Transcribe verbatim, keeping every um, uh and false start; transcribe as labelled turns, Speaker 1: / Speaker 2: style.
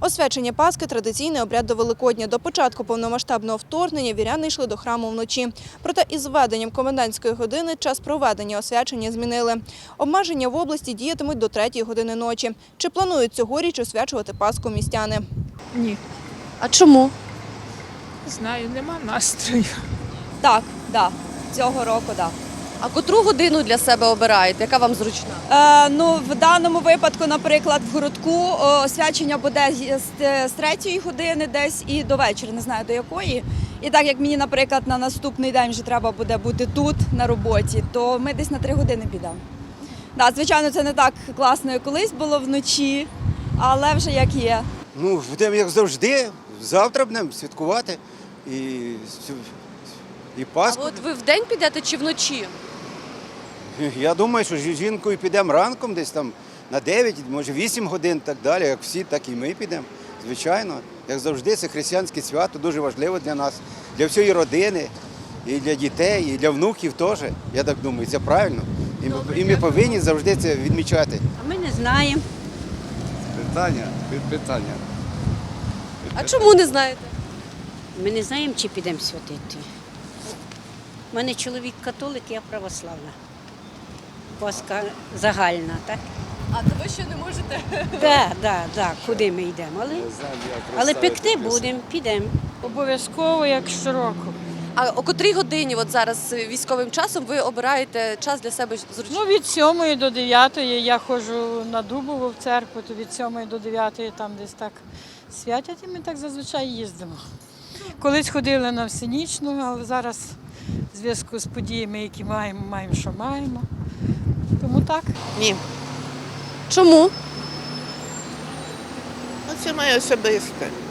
Speaker 1: Освячення Пасхи – традиційний обряд до Великодня. До початку повномасштабного вторгнення віряни йшли до храму вночі. Проте із введенням комендантської години час проведення освячення змінили. Обмеження в області діятимуть до третьої години ночі. Чи планують цьогоріч освячувати Пасху містяни?
Speaker 2: Ні,
Speaker 3: А чому?
Speaker 2: не знаю, нема настрою.
Speaker 4: Так, да, цього року, так.
Speaker 3: А котру годину для себе обираєте? Яка вам зручна?
Speaker 4: Е, ну, в даному випадку, наприклад, в городку о, освячення буде з, з третьої години десь і до вечора, не знаю до якої. І так як мені, наприклад, на наступний день вже треба буде бути тут, на роботі, то ми десь на три години підемо. Да, звичайно, це не так класно, як колись було вночі, але вже як є.
Speaker 5: Ну, будемо як завжди, завтра будемо святкувати і, і
Speaker 3: А
Speaker 5: Пасху.
Speaker 3: от ви вдень підете чи вночі?
Speaker 5: Я думаю, що з жінкою підемо ранком десь там на дев'ять, може вісім годин, так далі. Як всі, так і ми підемо. Звичайно, як завжди, це християнське свято, дуже важливо для нас, для всієї родини, і для дітей, і для внуків теж. Я так думаю, це правильно. І ми, і ми повинні завжди це відмічати.
Speaker 6: А ми не знаємо.
Speaker 7: Питання, питання.
Speaker 3: А чому не знаєте?
Speaker 6: Ми не знаємо, чи підемо святити. У мене чоловік католик, я православна. Пасха загальна, так?
Speaker 3: А то ви ще не можете?
Speaker 6: Так, так, так. Куди ми йдемо? Але, але пекти будемо, підемо.
Speaker 2: Обов'язково, як щороку.
Speaker 3: А о котрій годині от зараз військовим часом ви обираєте час для себе зручний?
Speaker 2: Ну, від сьомої до дев'ятої я ходжу на Дубову в церкву, то від сьомої до дев'ятої там десь так святять, і ми так зазвичай їздимо. Колись ходили на всенічну, але зараз в зв'язку з подіями, які маємо, маємо, що маємо. Тому так.
Speaker 8: Ні,
Speaker 3: Чому?
Speaker 8: ну це моє особисте.